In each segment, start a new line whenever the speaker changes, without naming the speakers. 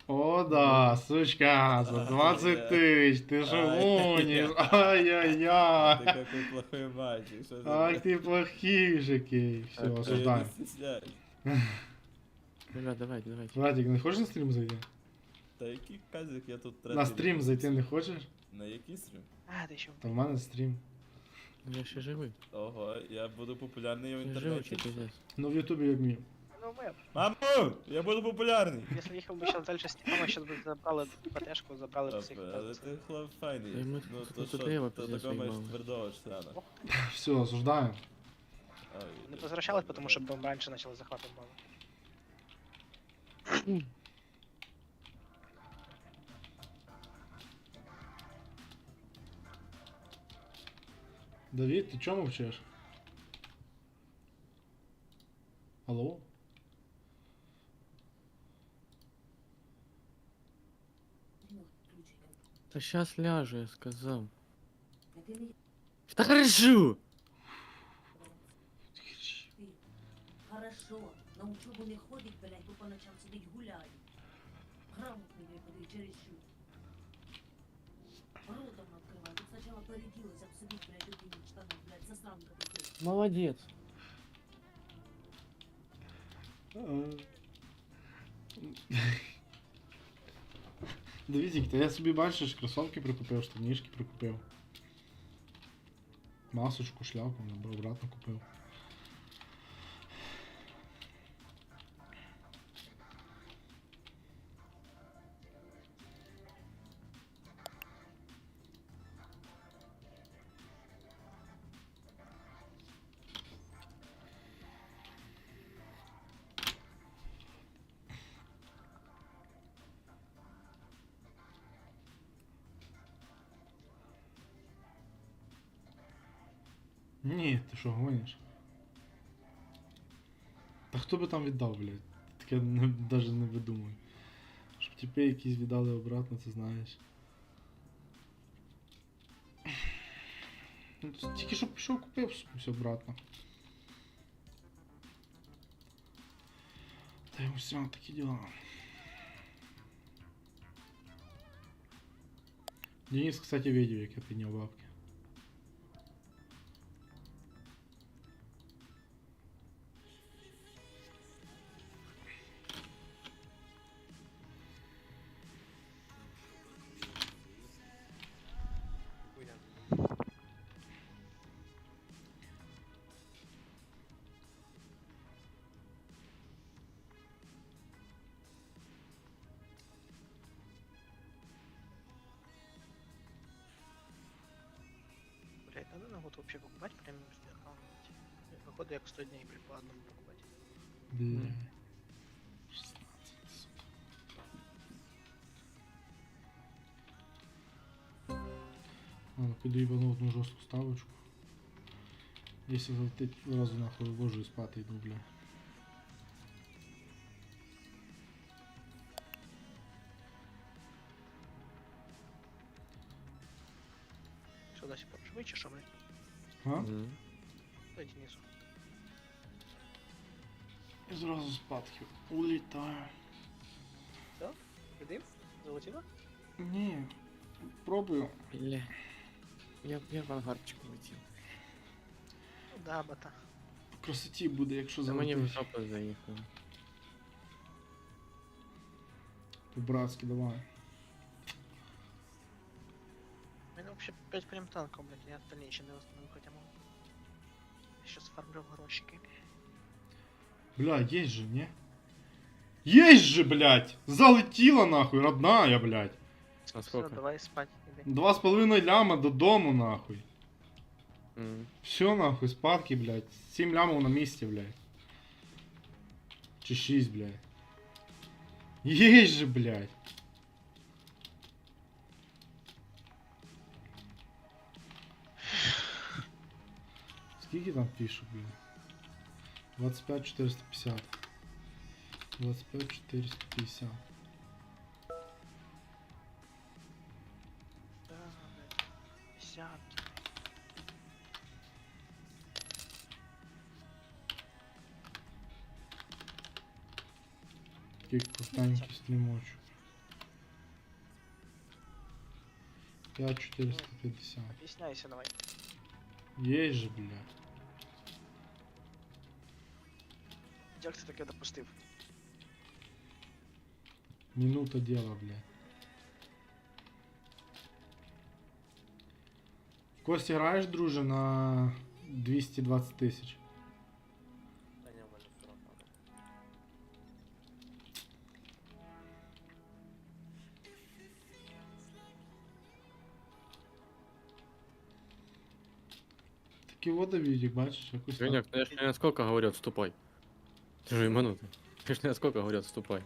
О, да, сучка, за 20 тысяч, ты же гонишь,
Ты
ай-яй-яй.
какой плохой мальчик, что
Ах
ты...
ты плохишикий. Все,
Так,
Я не
осуждаем.
стесняюсь.
Ребят, давайте.
Владик, не хочеш на стрім зайти?
Та який казик я тут
На стрім зайти не хочеш?
На який стрім?
А, ти ще
Та в мене стрім.
Я ще живий.
Ого, я буду популярний в
Я живий,
інтернеті.
чи пиздец.
Ну в Ютубі як мій.
Ну, ми,
Мамо! Я буду популярний!
якщо їхав би зараз далі з Тімоном, зараз би забрали ПТшку, забрали б всіх.
Але ти хлоп файний.
Та й ми
Ну
тут
то що,
треба
то
пиздець
такого маєш
виймали.
твердого члена.
Все, осуждаємо.
Не возвращались, тому що бомб раніше почали захватом бомби.
Давид, ти чому мовчиш? Алло?
Та щас ляжу, я сказав. Та хорошо!
Хорошо, на учебу не ходить, блядь, бо по ночам сидить гуляє. Грамотний, блядь, подивись, через що. Ротом открывай. Тут сначала порядилась, обсудить, блядь, любимых штанов, блядь, засранка такой.
Молодець.
Давідік, та я собі бачиш, кросовки прикупив, штанішки прикупив. Масочку, шляпу, обратно купив. Ні, ти що гониш? Та хто би там віддав, блядь? Таке навіть не видумую. Щоб тіпи якісь віддали обратно, це знаєш. Ну, тільки що пішов купив все обратно. Та й все, такі діла. Денис, кстати, видел, як я підняв бабки.
Блять, надо на год вообще покупать премиум аккаунт. Походу, як 100 дней, блядь, по одному покупать.
Бля. 16, сука. Ладно, піду їбану одну жорстку ставочку. Якщо залетить, одразу нахуй вивожу і спати йду, бля.
Що досі живий чи що, блядь?
А?
Мгм.
Дай Денису.
І зразу спадки. Улітаю.
Підим? Залетіло?
Ні, пробую.
Бля. Я в ангарчику летів.
Ну да, бата.
В красоті буде, якщо
Та мені в
залетиш.
жопу заїхало.
По-братськи, давай.
У мене вообще 5 прям танков, блядь, я остальные ще не восстановлю, хотя могу. Сейчас фармлю грошики.
Бля, есть же, не? Есть же, блядь! Залетіла нахуй, родная, блядь.
А
Все,
сколько?
давай спать, іди.
2,5 ляма додому, нахуй.
Мгм.
Все, нахуй, спадки, блядь. 7 лямов на місці, блядь. Чи 6, блядь. Есть же, блядь. Скільки там пишут, блядь? 25 450. 25 450.
Да, блядь. Десятки.
Такие крутанькие стрімочу. 5450.
Объясняйся давай.
Есть же, бля.
Як ти таке допустив?
Минута дела, бля. Костя, граєш, друже, на 220 тисяч?
Та ні, у мене 40 надо.
Такі водовідік, бачиш, якось так.
Женек, ну я ж не насколько говорю, отступай. Ты же минуты. Я ж не насколько говорю, отступай.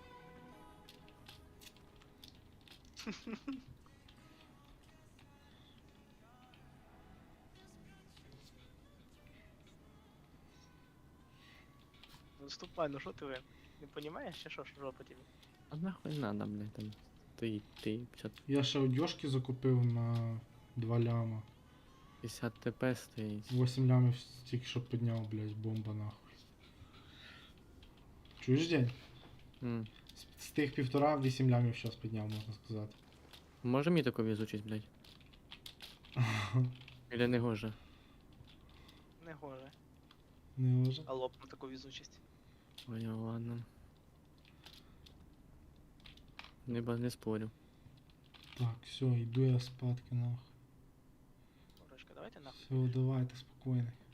Ну ступай, ну що ти ви? Не понімаєш, чи що ж жопа тобі?
А нахуй надо, блядь, там. Ты 50,
Я ще одежки закупив на 2 ляма.
50 ТП стоїть.
8 лямів тільки що підняв, блядь, бомба нахуй. Чуєш, день?
М.
З тих 1,5 8 лямів щас підняв, можна сказати.
Може мені таку візучість, блядь? Или не гоже?
Не гоже.
Не може.
А лоб на таку візучість.
Понял, ладно. Не спорю.
Так, все, йду я спадки нахуй.
Морочка, давайте нахуй.
Все, давайте, спокійно.